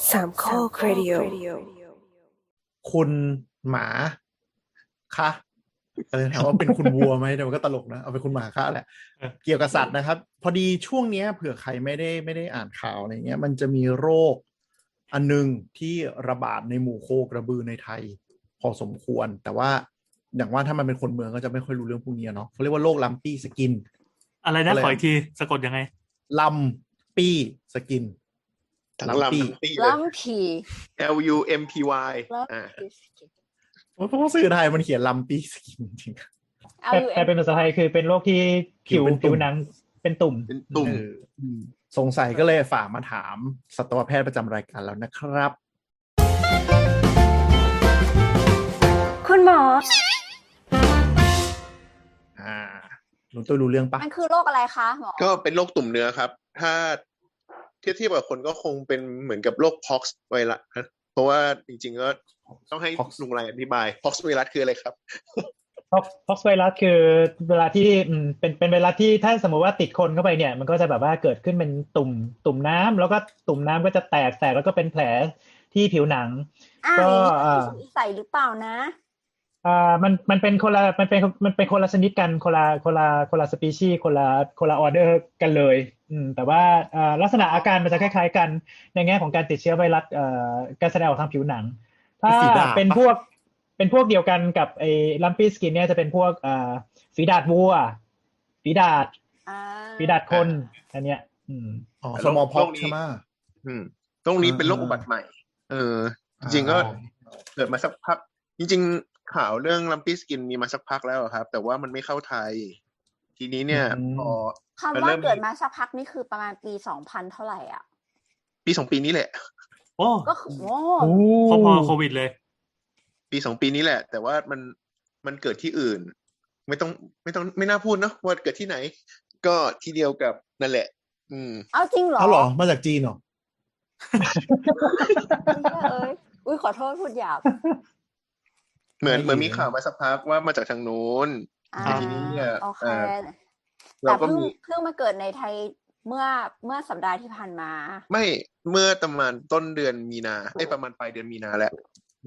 สามข้อครดิโอคุณหมาคะถามว่าเป็นคุณวัวไหมแต่มันก็ตลกนะเอาเป็นคุณหมาคะแหละเกี่ยวกับสัตว์นะครับพอดีช่วงเนี้ยเผื่อใครไม่ได้อ่านข่าวอะไรเงี้ยมันจะมีโรคอันนึงที่ระบาดในหมู่โคกระบือในไทยพอสมควรแต่ว่าอย่างว่าถ้ามันเป็นคนเมืองก็จะไม่ค่อยรู้เรื่องพวกนี้เนาะเขาเรียกว่าโรคลัมปี้สกินอะไรนะขออีกทีสะกดยังไงลัมปี้สกินทั้งลำทั้งปี้เลยลัมพี LUMPY เพราะว่าสื่อไทยมันเขียนลัมปี้สกินจริงแต่เป็นภาษาไทยคือเป็นโรคที่ผิวหนังเป็นตุ่มสงสัยก็เลยฝากมาถามสัตวแพทย์ประจำรายการแล้วนะครับคุณหมอหนูตัวรู้เรื่องปะมันคือโรคอะไรคะหมอก็เป็นโรคตุ่มเนื้อครับถ้าเทียบกับคนก็คงเป็นเหมือนกับโรค pox ไวรัสเพราะว่าจริงๆก็ต้องให้ลุงไรอธิบาย pox ไวรัสคืออะไรครับพ็อกไวรัสคือเวลาที่เป็นไวรัสที่ถ้าสมมติว่าติดคนเข้าไปเนี่ยมันก็จะแบบว่าเกิดขึ้นเป็นตุ่มน้ำแล้วก็ตุ่มน้ำก็จะแตกแล้วก็เป็นแผลที่ผิวหนังก็ใส่หรือเปล่านะมันเป็นคนละคนละชนิดกันคนละสปีชีส์คนละออเดอร์กันเลยแต่ว่าลักษณะอาการมันจะคล้ายๆกันในแง่ของการติดเชื้อไวรัสการแสดงออกทางผิวหนังถ้าเป็นพวกเดียวกันกับไอ้ลัมปี้สกินเนี่ยจะเป็นพวกฝีดาษวัวฝีดาษคนอันเนี้ยสมอลพ็อกใช่ไหมตรงนี้เป็นโรคอุบัติใหม่จริงๆก็เกิดมาสักพักจริงๆข่าวเรื่องลัมปี้สกินมีมาสักพักแล้วครับแต่ว่ามันไม่เข้าไทยทีนี้เนี่ยพอคำว่าเกิดมาสักพักนี่คือประมาณปี2000เท่าไหร่อ่ะปี2ปีนี้แหละโอ้ก็คือพอโควิดเลยปี2ปีนี้แหละแต่ว่ามันเกิดที่อื่นไม่น่าพูดเนาะว่าเกิดที่ไหนก็ที่เดียวกับนั่นแหละเอาจริงเหรอเหรอมาจากจีนเหรออุ้ยขอโทษพูดหยาบเหมือนมีข่าวมาสักพักว่ามาจากทางนู้นทีนี้เนี่ยแต่เพิ่งมาเกิดในไทยเมื่อสัปดาห์ที่ผ่านมาไม่เมื่อประมาณต้นเดือนมีนาประมาณปลายเดือนมีนาแล้ว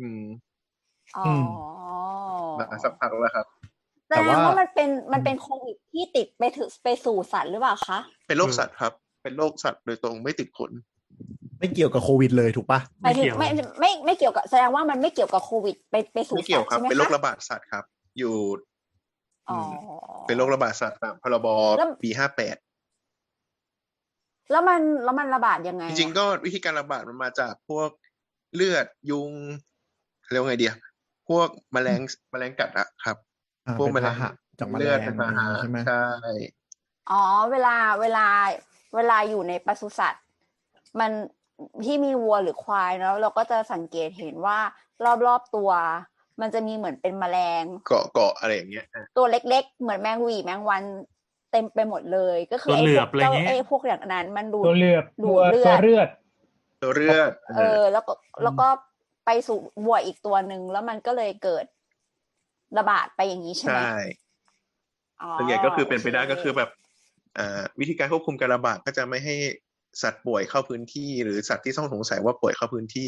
มาสักพักแล้วครับแต่ว่ามันเป็นโควิดที่ติดไปสู่สัตว์หรือเปล่าคะเป็นโรคสัตว์ครับเป็นโรคสัตว์โดยตรงไม่ติดคนไม่เกี่ยวกับโควิดเลยถูกปะไม่เกี่ยวไม่เกี่ยวกับแสดงว่ามันไม่เกี่ยวกับโควิดไปสู่สัตว์ใช่ไหมคะเป็นโรคระบาดสัตว์ครับอยู่เป็นโรคระบาดสัตว์ตามพรบปี58 แล้วมันระบาดยังไงจริงๆก็วิธีการระบาดมันมาจากพวกเลือดยุงเรียกว่าไงดีพวกแมลงกัดอะครับพวกแมลงจากเลือดเป็นพาหะใช่ไหมใช่เวลาอยู่ในปศุสัตว์มันที่มีวัวหรือควายเนาะเราก็จะสังเกตเห็นว่ารอบๆตัวมันจะมีเหมือนเป็นแมลงเกาะอะไรอย่างเงี้ยตัวเล็กๆเหมือนแมงหวีแมงวันเต็มไปหมดเลยก็คือไอ้พวกอย่างนั้นมันดูตัวเลือดแล้วก็ไปสู่วัวอีกตัวนึงแล้วมันก็เลยเกิดระบาดไปอย่างนี้ใช่ไหมใช่ส่วนใหญ่ก็คือเป็นไปได้ก็คือแบบวิธีการควบคุมการระบาดก็จะไม่ให้สัตว์ป่วยเข้าพื้นที่หรือสัตว์ที่ต้องสงสัยว่าป่วยเข้าพื้นที่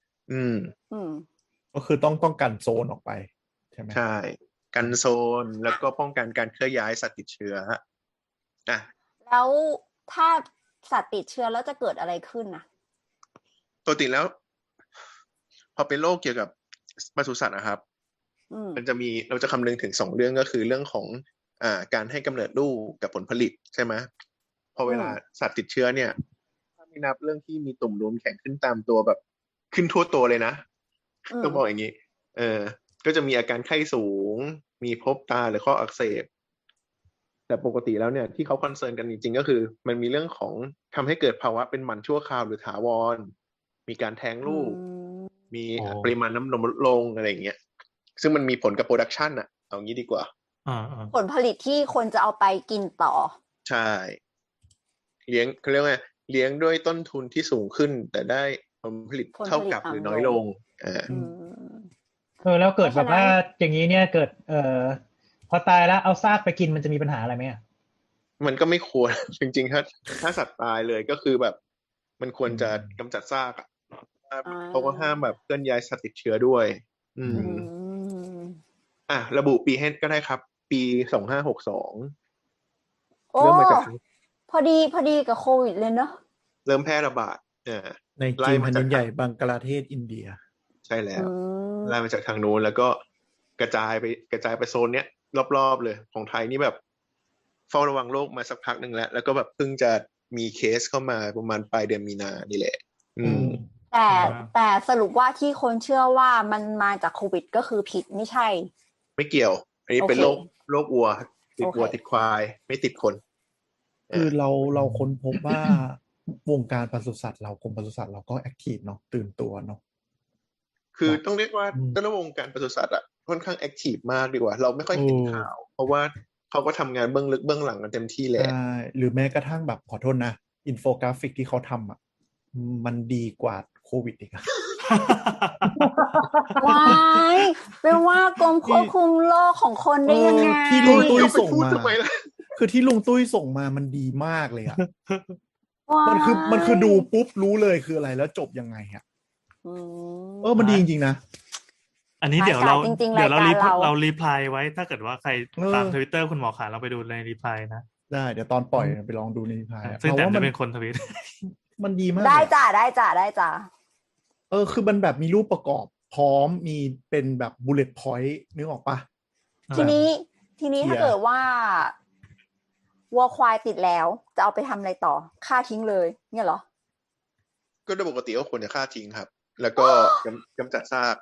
ก็คือต้องกันโซนออกไปใช่ไหมใช่กันโซนแล้วก็ป้องกันการเคลื่อนย้ายสัตว์ติดเชื้อแล้วถ้าสัตว์ติดเชื้อแล้วจะเกิดอะไรขึ้นนะปกติแล้วพอเป็นโรคเกี่ยวกับปศุสัตว์นะครับเราจะคำนึงถึง2เรื่องก็คือเรื่องของการให้กำเนิดลูกกับผลผลิตใช่ไหมพอเวลาสัตว์ติดเชื้อเนี่ยถ้าไม่นับเรื่องที่มีตุ่มนูนแข็งขึ้นตามตัวแบบขึ้นทั่วตัวเลยนะต้องบอกอย่างนี้ก็จะมีอาการไข้สูงมีพบตาหรือข้ออักเสบแต่ปกติแล้วเนี่ยที่เขาคอนเซิร์นกันจริงๆก็คือมันมีเรื่องของทำให้เกิดภาวะเป็นหมันชั่วคราวหรือถาวรมีการแท้งลูกมีปริมาณน้ำนมลดลงอะไรอย่างเงี้ยซึ่งมันมีผลกับโปรดักชันอะเอางี้ดีกว่าผลผลิตที่คนจะเอาไปกินต่อใช่เขาเรียกว่าเลี้ยงด้วยต้นทุนที่สูงขึ้นแต่ได้ผลผลิตเท่ากับหรือน้อยลงแล้วเกิดแบบว่าอย่างนี้เนี่ยเกิดพอตายแล้วเอาซากไปกินมันจะมีปัญหาอะไรไหมมันก็ไม่ควรจริงๆถ้าสัตว์ตายเลยก็คือแบบมันควรจะกำจัดซากเขาก็ห้ามแบบเคลื่อนย้ายสัตว์ติดเชื้อด้วย อือืมมระบุปีให้ก็ได้ครับ ปี2562 โอ้เริ่มมาจากพอดีกับโควิดเลยเนาะเริ่มแพร่ระบาดในไล่จีนมาแผ่นจากดินใหญ่บังกลาเทศอินเดียใช่แล้วอืมไล่มาจากทางนู้นแล้วก็กระจายไปโซนเนี้ยรอบๆเลยของไทยนี่แบบเฝ้าระวังโรคมาสักพักหนึ่งแล้ว แล้วก็แบบเพิ่งจะมีเคสเข้ามาประมาณปลายเดือนมีนานี่แหละ อืมแต่สรุปว่าที่คนเชื่อว่ามันมาจากโควิดก็คือผิดไม่ใช่ไม่เกี่ยว อันนี้เป็นโอเคโรควัว ติดโอเควัวติดควาย ไม่ติดคนคือเราค้นพบว่าวงการปศุสัตว์เรากรมปศุสัตว์เราก็แอคทีฟเนาะตื่นตัวเนาะคือต้องเรียกว่าอืมต้นวงการปศุสัตว์อะค่อนข้างแอคทีฟมากดีกว่า เราไม่ค่อยเห็นข่าว เพราะว่าเขาก็ทำงานเบื้องลึกเบื้องหลังกันเต็มที่แหละใช่หรือแม้กระทั่งแบบขอโทษนะอินโฟกราฟิกที่เขาทำอ่ะมันดีกว่าโควิดอีกอะว้ายเป็นว่ากรมควบคุมโรคของคนได้ยังไงที่ลุงตุ้ยจะไปส่งพูดมาทำไมล่ะคือที่ลุงตุ้ยส่งมามันดีมากเลยอ่ะว้ายมันคือดูปุ๊บรู้เลยคืออะไรแล้วจบยังไงอ่ะอืมมันดีจริงๆนะอันนี้เดี๋ยวเราจริงๆเดี๋ยวเรารายการเรารีพลายไว้ถ้าเกิดว่าใครเออตามทวิตเตอร์คุณหมอขาเราไปดูในรีพลายนะได้เดี๋ยวตอนปล่อยไปลองดูในพายซึ่งแต่ว่าจะมันเป็นคนทวิตมันดีมากได้เลยอะจ้ะได้จ้ะคือมันแบบมีรูปประกอบพร้อมมีเป็นแบบบุลเลต์พอยต์นึกออกปะทีนี้เชี่ยถ้าเกิดว่าวัวควายติดแล้ว จะเอาไปทำอะไรต่อฆ่าทิ้งเลยเนี่ยเหรอก็โดยปกติก็ควรจะฆ่าทิ้งครับ แล้วก็กำจัดซาก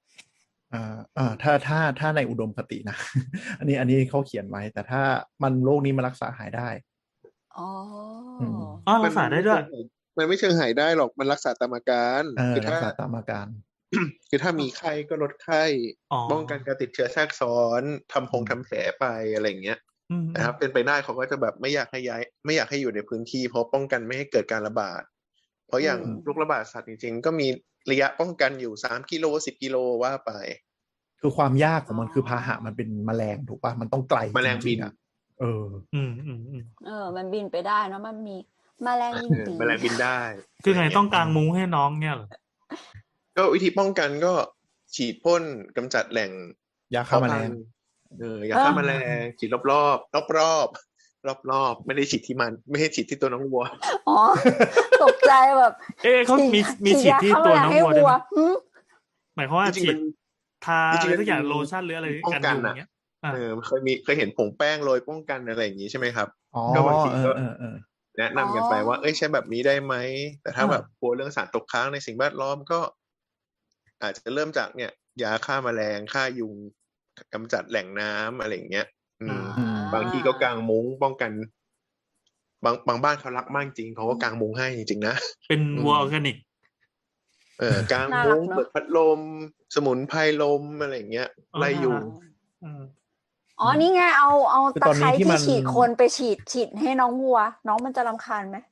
ถ้าในอุดมคตินะ อันนี้เขาเขียนไว้ แต่ถ้ามันโรคนี้มันรักษาหายได้อ๋ออืมอ๋อรักษาได้ด้วยมันไม่เชิงหายได้หรอก มันรักษาตามอาการ คือรัถ้ากษาตามอาการคือถ้ามีไข้ก็ลดไข้อ๋อป้องกันการติดเชื้อแทรกซ้อนทำแผลไปอะไรอย่างเงี้ยอืมนะครับ เป็นไปได้เขาก็จะแบบไม่อยากให้ย้าย ไม่อยากให้อยู่ในพื้นที่เพราะป้องกันไม่ให้เกิดการระบาด เพราะอย่างอืมโรคระบาดสัตว์จริงๆ ก็มีระยะป้องกันอยู่3 กิโล 10 กิโลว่าไปคือความยากของมันคือพาหะมันเป็นแมลงถูกปะมันต้องไกลแมลงบินจริๆอะอืมมันบินไปได้เนอะมันมีแมลงบินปีแมลงบินได้คือไงต้องกางมุ้งให้น้องเนี่ยเหรอก็วิธีป้องกันก็ฉีดพ่นกำจัดแหล่งยาฆ่าแมลงยาฆ่าแมลงฉีดรอบไม่ได้ฉีดที่มัน ไม่ให้ฉีดที่ตัวน้องวัวอ๋อ ตกใจแบบเอ๊ะเขามีฉีดที่ตัวน้องวัวด้วยไหมหึหมายความว่าจริงๆฉีมัดนทาจริอะงๆไรสักอย่างมันมีโลชั่นหรืออะไรป้องกันกันยุงออะย่างเงี้ยอ่ะเคยเห็นผงแป้งโรยป้องกันอะไรอย่างนี้ใช่ไหมครับอ๋อก็บางทีก็เออแนะนำกันไปว่าใช้แบบนี้ได้ไหม แต่ถ้าแบบกลัวเรื่องสารตกค้างในสิ่งแวดล้อมก็ อาจจะเริ่มจากเนี่ย ยาฆ่าแมลงฆ่ายุงกำจัดแหล่งน้ำอะไรอย่างเงี้ย บางทีก็กางมุ้งป้องกัน บางบ้านเขารักมากจริงเขาก็กางมุ้งให้จริงๆนะเป็นวัวออร์แกนิกกางมุ้งเปิดพัดลม สมุนไพรลมอะไรอย่างเงี้ยอ๋อไล่ยุงอ๋อ นี่ไงเอาคือตะตอนไคนี้ร้ที่ที่มันฉีดคนไปฉีดให้น้องวัว น้องมันจะรำคาญไหม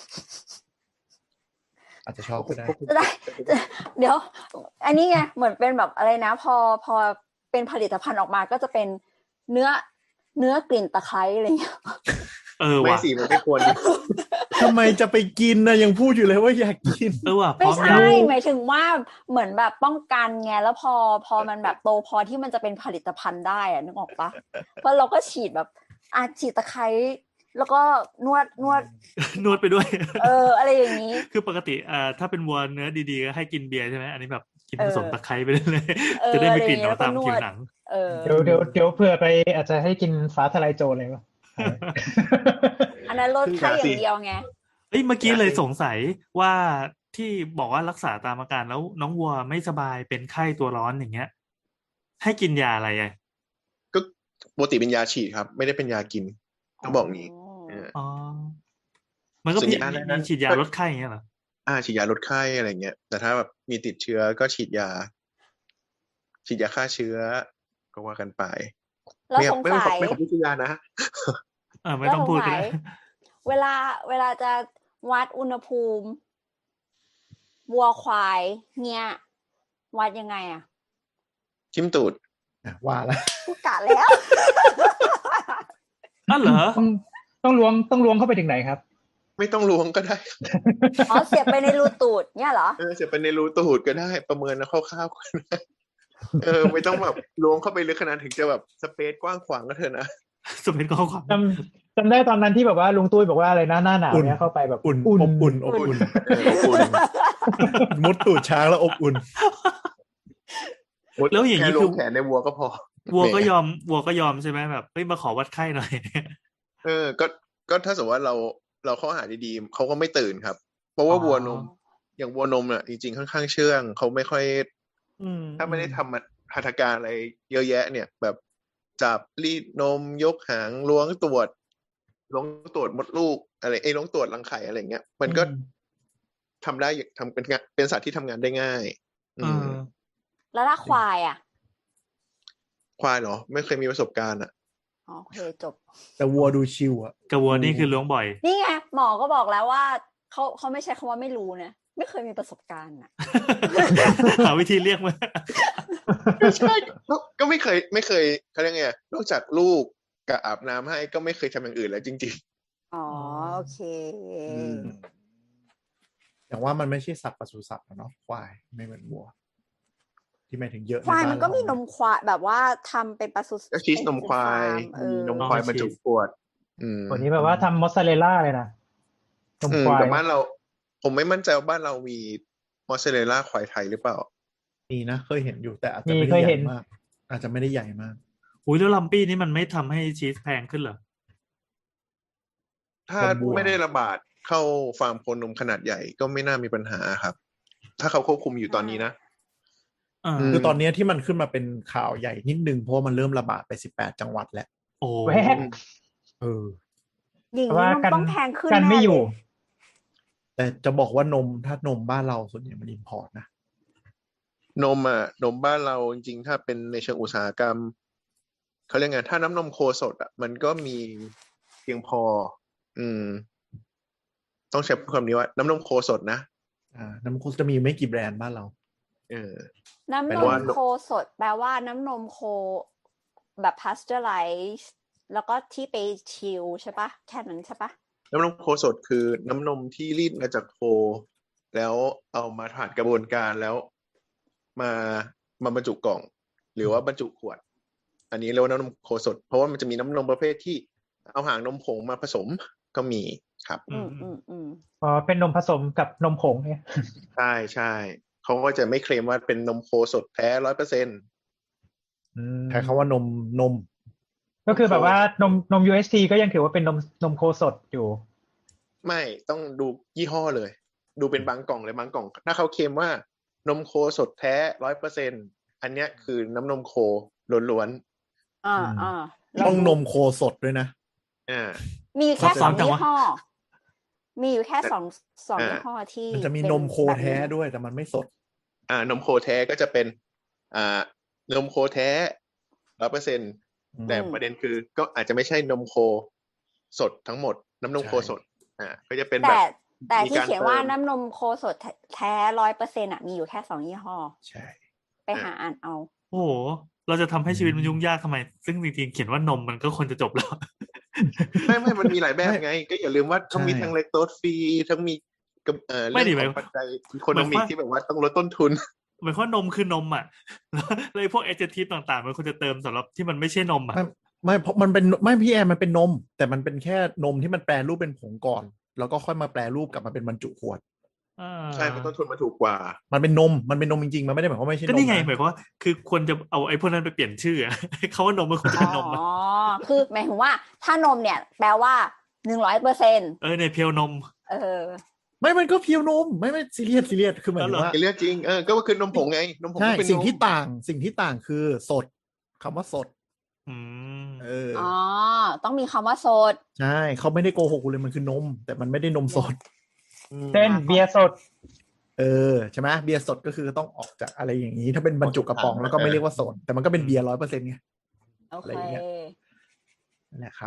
อาจจะชอบก็ได้เดี๋ยว อันนี้ไงเหมือนเป็นแบบอะไรนะ พอเป็นผลิตภัณฑ์ออกมาก็จะเป็นเนื้อกลิ่นตะไคร้อะไรอย่างเงี้ยไม่ว่ะสิมันไม่ควรทำไมจะไปกินนะยังพูดอยู่เลยว่าอยากกินว่ะพไม่ร้อมใช่ยังหมายถึงว่าเหมือนแบบป้องกันไงแล้วพอมันแบบโตพอที่มันจะเป็นผลิตภัณฑ์ได้อะนึกออกปะเพราะเราก็ฉีดแบบฉีดตะไคร้แล้วก็นวดนวดไปด้วยอะไรอย่างนี้คือปกติถ้าเป็นวัวเนื้อดีๆก็ให้กินเบียร์ใช่ไหมอันนี้แบบกินเออผสมตะไคร้ไปเลยเออจะได้ไม่กลิ่นอะไรอย่างเงี้ยเอาตามแล้วก็นวดผิวหนังเดี๋ยวเผื่อไปอาจจะให้กินฟ้าทลายโจรเลยวะอันนั้นลดไข้อย่างเดียวไงเอ้ยเมื่อกี้เลยสงสัยว่าที่บอกว่ารักษาตามอาการแล้วน้องวัวไม่สบายเป็นไข้ตัวร้อนอย่างเงี้ย ให้กินยาอะไรอ่ะก็ปกติเป็นยาฉีดครับ ไม่ได้เป็นยากินต้องบอกงี้อ๋อมันก็ส่วนมียาอะไรนะฉีดยาลดไข้อย่างเงี้ยเหรอฉีดยาลดไข้อะไรเงี้ย แต่ถ้าแบบมีติดเชื้อก็ฉีดยาฆ่าเชื้อก็ว่ากันไปแล้วสงไม่สัยขอพิจารณานะไม่ต้องพูดก็ได้เวลาจะวัดอุณหภูมิวัวควายเนี่ยวัดยังไงอะจิ้มตูดว่าแล้วพูดกะแล้วอ้าวเหรอต้องล้วงเข้าไปถึงไหนครับไม่ต้องล้วงก็ได้อ๋อเสียบไปในรูตูดเนี่ยเหรอเสียบไปในรูตูดก็ได้ประเมินคร่าวๆก็ได้ไม่ต้องแบบล้วงเข้าไปลึกขนาดถึงจะแบบสเปซกว้างขวางก็เถอะนะสเปนข้อความจำได้ตอนนั้นที่แบบว่าลุงตุ้ยบอกว่าอะไรนะหน้าหนาวเนี่ยเข้าไปแบบอุ่นอุ่นอบอุ่นอบอุ่นอบอุ่นมุดตูดช้างแล้วอบอุ่นแล้วอย่างนี้แค่คืล้วองแขนในวัวก็พอวัวก็ยอมใช่ไหมแบบเฮ้ยมาขอวัดไข้หน่อยก็ถ้าสมมติว่าเราเข้าหาดีๆเขาก็ไม่ตื่นครับ เพราะว่าอ๋อวัวนมอย่างวัวนมอ่ะจริงๆค่อนข้างเชื่องเขาไม่ค่อย ถ้าไม่ได้ทำหัตถการอะไรเยอะแยะ เนี่ยแบบจับรีดนมยกหางล้วงตรวจมดลูกอะไรล้วงตรวจรังไข่อะไรเงี้ยมันก็ทำได้ทำเป็นสัตว์ที่ทำงานได้ง่ายแล้วถ้าควายอ่ะควายเหรอไม่เคยมีประสบการณ์อ่ะอ๋อโอเคจบแต่วัวดูชิวอ่ะกับวัวนี่คือล้วงบ่อยนี่ไงหมอก็บอกแล้วว่าเขาไม่ใช่คำว่าไม่รู้นะไม่เคยมีประสบการณ์อ่ะหาวิธีเรียกมาใช่ก็ไม่เคยเขาเรียกไงนอกจากลูกกับอาบน้ำให้ก็ไม่เคยทำอย่างอื่นแล้วจริงอ๋อโอเคอย่างว่ามันไม่ใช่สัตว์ปศุสัตว์เนาะควายไม่เหมือนวัว ที่หมายถึงเยอะควายใบ้มันก็มีนมควายแบบว่าทำเป็นปศุสัตว์ๆก็ชีสนมควายเป็นฟาร์มนมควายบรรจุขวดวันนี้แบบว่าทำมอสซาเรลล่าเลยนะนมควายแต่บ้านเราผมไม่มั่นใจว่าบ้านเรามีมอสซาเรลล่าควายไทยหรือเปล่ามีนะเคยเห็นอยู่แต่อาจจะไม่ได้ใหญ่มาก อาจจะไม่ได้ใหญ่มากอุ้ยแล้วลัมปี้นี่มันไม่ทำให้ชีสแพงขึ้นเหรอถ้าไม่ได้ระบาดเข้าฟาร์มโคนมขนาดใหญ่ก็ไม่น่ามีปัญหาครับ ถ้าเขาควบคุมอยู่ตอนนี้นะคือตอนนี้ที่มันขึ้นมาเป็นข่าวใหญ่นิดนึงเพราะมันเริ่มระบาดไป18 จังหวัดแล้วโอ้แวกอย่างแต่ว่านี้นมกันต้องแพงขึ้นกันไม่แน่อยู่เลยแต่จะบอกว่านมถ้านมบ้านเราส่วนใหญ่มันอิมพอร์ตนะนมบ้านเราจริงๆถ้าเป็นในเชิงอุตสาหกรรมเขาเรียกไงถ้าน้ำนมโคสดมันก็มีเพียงพอ ต้องใช้คำนี้ว่าน้ำนมโคสดนะน้ำโคจะมีไม่กี่แบรนด์บ้านเราน้ำแปลนว่ามโคสดแปลว่าน้ำนมโคแบบพาสเจอร์ไลซ์แล้วก็ที่ไปชิลใช่ปะแค่นั้นใช่ปะน้ำนมโคสดคือน้ำนมที่รีดมาจากโค แล้วเอามาผ่านกระบวนการแล้วมาบรรจุกล่อง หรือว่าบรรจุขวด อันนี้เรียกว่าน้ำนมโคสดเพราะว่ามันจะมีน้ำนมประเภทที่เอาหางนมผงมาผสมก็มีครับอ๋อเป็นนมผสมกับนมผงเนี่ยใช่เขาก็จะไม่เคลมว่าเป็นนมโคสดแท้ 100% ใช้คำว่านมก็คือแบบว่านม UHT ก็ยังถือว่าเป็นนมโคสดอยู่ไม่ต้องดูยี่ห้อเลย ดูเป็นบางกล่องเลยบางกล่อง ถ้าเขาเคลมว่านมโคสดแท้ 100% อันเนี้ยคือน้ำนมโคล้วนๆต้องนมโคสดด้วยนะมีอยู่แค่สองยี่ห้อมีอยู่แค่สองยี่ห้อที่มันจะมีนมโคแท้ด้วยแต่มันไม่สดนมโคแท้ก็จะเป็นนมโคแท้ 100% แต่ประเด็นคือก็อาจจะไม่ใช่นมโคสดทั้งหมดน้ำนมโคสดก็จะเป็นแบบแต่ที่เขียนว่าน้ำนมโคสดแท้ 100% มีอยู่แค่2ยี่ห้อใช่ไปหาอ่านเอาโอ้โหเราจะทำให้ชีวิตมันยุ่งยากทำไมซึ่งจริงๆเขียนว่านมมันก็ควรจะจบแล้วไม่มันมีหลายแบบไงก็อย่าลืมว่าต้องมีทั้งเลคโตสฟรีทั้งมีเรื่องของปัจจัยอีโคโนมิกที่แบบว่าต้องลดต้นทุนหมายความว่านมคือนมอ่ะเลยพวกเอเจนทีต่างๆมันควรจะเติมสำหรับที่มันไม่ใช่นมอ่ะไม่เพราะมันเป็นไม่พี่แอร์มันเป็นนมแต่มันเป็นแค่นมที่มันแปรรูปเป็นผงก่อนแล้วก็ค่อยมาแปรรูปกลับมาเป็นบรรจุขวดใช่เพราะต้นทุนมันถูกกว่ามันเป็นนมจริงๆมันไม่ได้หมายความว่าไม่ใช่นมก็นี่ไงหมายความว่าคือควรจะเอาไอ้พวกนั้นไปเปลี่ยนชื่อเขาว่านมมันควรจะเป็นนมคือหมายถึงว่าถ้านมเนี่ยแปลว่า 100% ในเพียวนมไม่มันก็เพียวนมไม่ซีเรียสคือหมายถึงว่าซีเรียสจริงก็คือนมผงไงนมผงใช่เป็นสิ่งที่ต่างคือสดคำว่าสดต้องมีคำว่าสดใช่เขาไม่ได้โกหกกูเลยมันคือนมแต่มันไม่ได้นมสดเช่นเบียร์สดใช่ไหมเบียร์สดก็คือต้องออกจากอะไรอย่างนี้ถ้าเป็นบรรจุกระป๋องแล้วก็ไม่เรียกว่าสดแต่มันก็เป็นเบียร์ 100% ไงอะไรอย่างเงี้ยนะครับ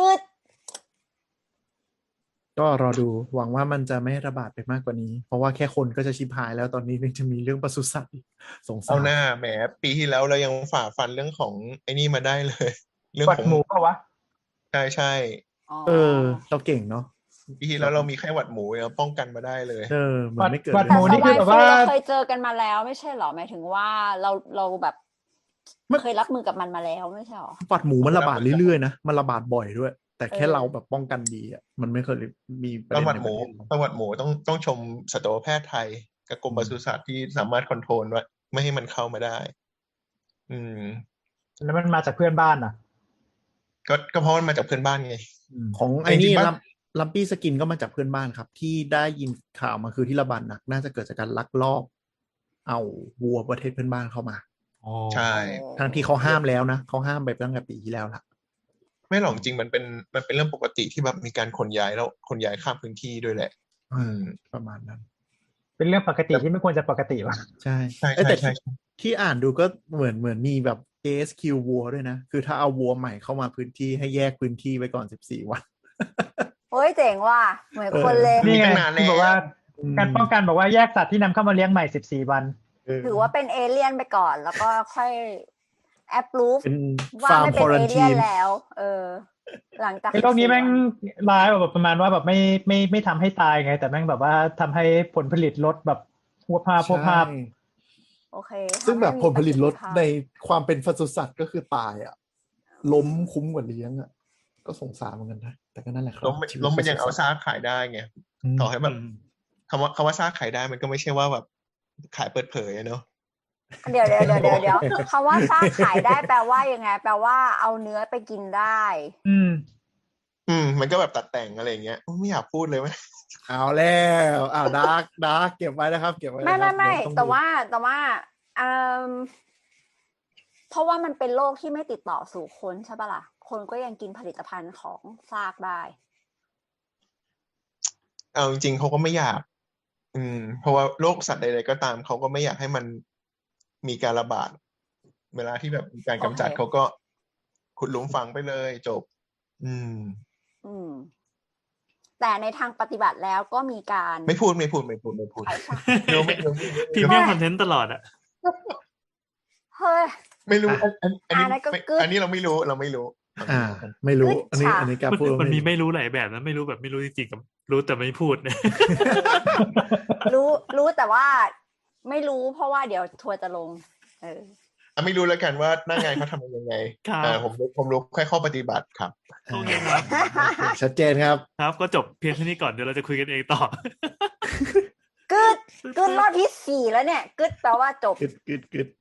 ก็รอดูหวังว่ามันจะไม่ระบาดไปมากกว่านี้เพราะว่าแค่คนก็จะชิบหายแล้วตอนนี้จะมีเรื่องปศุสัตว์สงสารเอาหน้าแหมปีที่แล้วเรายังฝ่าฟันเรื่องของไอ้นี่มาได้เลยเรื่องของหมูป่ะวะใช่เราเก่งเนาะปีที่แล้วเรามีไข้หวัดหมูเราป้องกันมาได้เลยมันไม่เกิดหวัดแต่หมูสนี่คืวาอย แบบฟลูว่าเราเคยเจอกันมาแล้วไม่ใช่หรอหมายถึงว่าเราแบบเคยรับมือกับมันมาแล้วไม่ใช่หรอหวัดหมูมันระบาดเรื่อยๆนะมันระบาดบ่อยด้วย แต่แค่เราแบบป้องกันดีอ่ะมันไม่เคยมีประประเด็นวัติในหมู ประวัติหมูต้องชมสัตวแพทย์ไทยกับกรมปศุสัตว์ที่สามารถคอนโทรลว่าไม่ให้มันเข้ามาได้ อืมแล้วมันมาจากเพื่อนบ้านอ่ะก็เพราะมันมาจากเพื่อนบ้านไงของไอ้นี่จริงๆปะลัมปี้สกินก็มาจากเพื่อนบ้านครับ ที่ได้ยินข่าวมาคือที่ระบาดหนักน่าจะเกิดจากการลักลอบเอาวัวประเทศเพื่อนบ้านเข้ามาอ๋อใช่ทั้งที่เขาห้ามแล้วนะเขาห้ามไปตั้งแต่ปีที่แล้วละไม่หรอกจริงมันเป็นเรื่องปกติที่แบบมีการขนย้ายแล้วขนย้ายข้ามพื้นที่ด้วยแหละประมาณนั้นเป็นเรื่องปกติที่ไม่ควรจะปกติว่ะใช่ใช่แต่ใช่ที่อ่านดูก็เหมือนมีแบบ ASQ วัวด้วยนะ คือถ้าเอาวัวใหม่เข้ามาพื้นที่ให้แยกพื้นที่ไว้ก่อน14 วันโอ้ยเจ๋งว่ะเหมือนคนเลยนี่ไงตั้งนานแล้วที่บอกว่าการป้องกันบอกว่าแยกสัตว์ที่นำเข้ามาเลี้ยงใหม่14 วันถือว่าเป็นเอเลี่ยนไปก่อน แล้วก็ค่อยแอปรูฟเป็นว่าฟาร์มไม่คเป็อน รันเอเลี่ทียนนแล้ว หลังจากไอ้โรคนี้แม่ง 14 ร้ายแบบประมาณว่าแบบไม่ทำให้ตายไง แต่แม่งแบบว่าทำให้ผลผลิตลดแบบพวกภาพโอเคซึ่งแบบผลผลิตลดทำให้มีในความเป็นปศุสัตว์ก็คือตายอ่ะ ล้มคุ้มกว่าเลี้ยงอ่ะ ก็สงสารเหมือนกันนะ แต่ก็นั่นแหละครับล้มมันยังเอาซากขายได้ไงต่อให้แบบอืมคำว่าซากขายได้มันก็ไม่ใช่ว่าแบบขายเปิดเผยอะเนอะเดี๋ยวคำว่าซากขายได้แปลว่ายังไง แปลว่าเอาเนื้อไปกินได้มันก็แบบตัดแต่งอะไรอย่างเงี้ยไม่อยากพูดเลยไหมเอาแล้วดาร์กเก็บไว้นะครับ เก็บไว้ไม่นะครับไม่เดี๋ยวองแต่ดูว่าเพราะว่ามันเป็นโรคที่ไม่ติดต่อสู่คนใช่ปะล่ะ คนก็ยังกินผลิตภัณฑ์ของซากได้เอาจริงๆเขาก็ไม่อยาก เพราะว่าโรคสัตว์ใดๆก็ตามเขาก็ไม่อยากให้มันมีการระบาด เวลาที่แบบมีการกำจัดโอเคเขาก็ขุดหลุมฝังไปเลยจบแต่ในทางปฏิบัติแล้วก็มีการไม่พูดขายซากไม่รู้พรีเมียมคอนเทนต์ตลอดอ่ะเฮ้ยไม่รู้อันนี้อันนั้นก็กึ๊ดอันนี้เราไม่รู้ไม่รู้กึศอันนี้การพูดมันมีไม่รู้หลายแบบนะไม่รู้แบบไม่รู้จริงๆกับรู้แต่ไม่พูดเนี่ยรู้แต่ว่าไม่รู้เพราะว่าเดี๋ยวทัวร์จะลงไม่รู้แล้วกันว่าหน้างานเขาทำยังไงครับผมรู้แค่ข้อปฏิบัติครับโอเคครับชัดเจนครับครับก็จบเพียงเท่านี้ก่อนเดี๋ยวเราจะคุยกันเองต่อกึดรอบที่ 4แล้วเนี่ยกึดแปลว่าจบกึด